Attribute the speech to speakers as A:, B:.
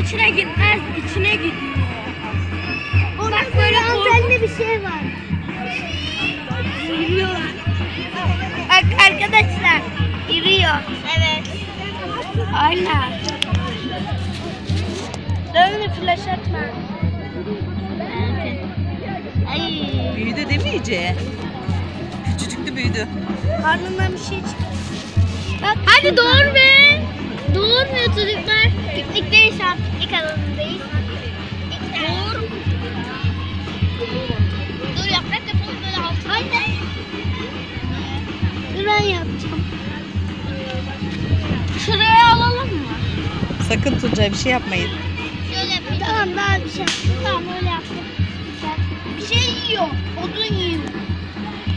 A: içine gitmez, içine gidiyor.
B: Bak böyle antenli bir şey var.
A: Yürüyorlar. Bak arkadaşlar, yürüyor.
B: Evet.
A: Aynen. Dönme, flash atma.
B: Ay.
C: Büyüdü değil mi iyice? Küçücüktü büyüdü.
A: Karnından bir şey çıktı.
B: Bak, hadi doğur be. Doğurmuyor çocuklar. Piknikteyiz şu an. Piknik alanındayız. Doğur. Dur yaprak yapalım böyle altına. Anne. Dur ben yapacağım.
A: Şuraya alalım mı?
C: Sakın Tuncay bir şey yapmayın.
B: Şöyle yapayım. Tamam daha bir şey yaptım. Tamam öyle yaptım.
A: Bir şey yiyor. Odun yiyor.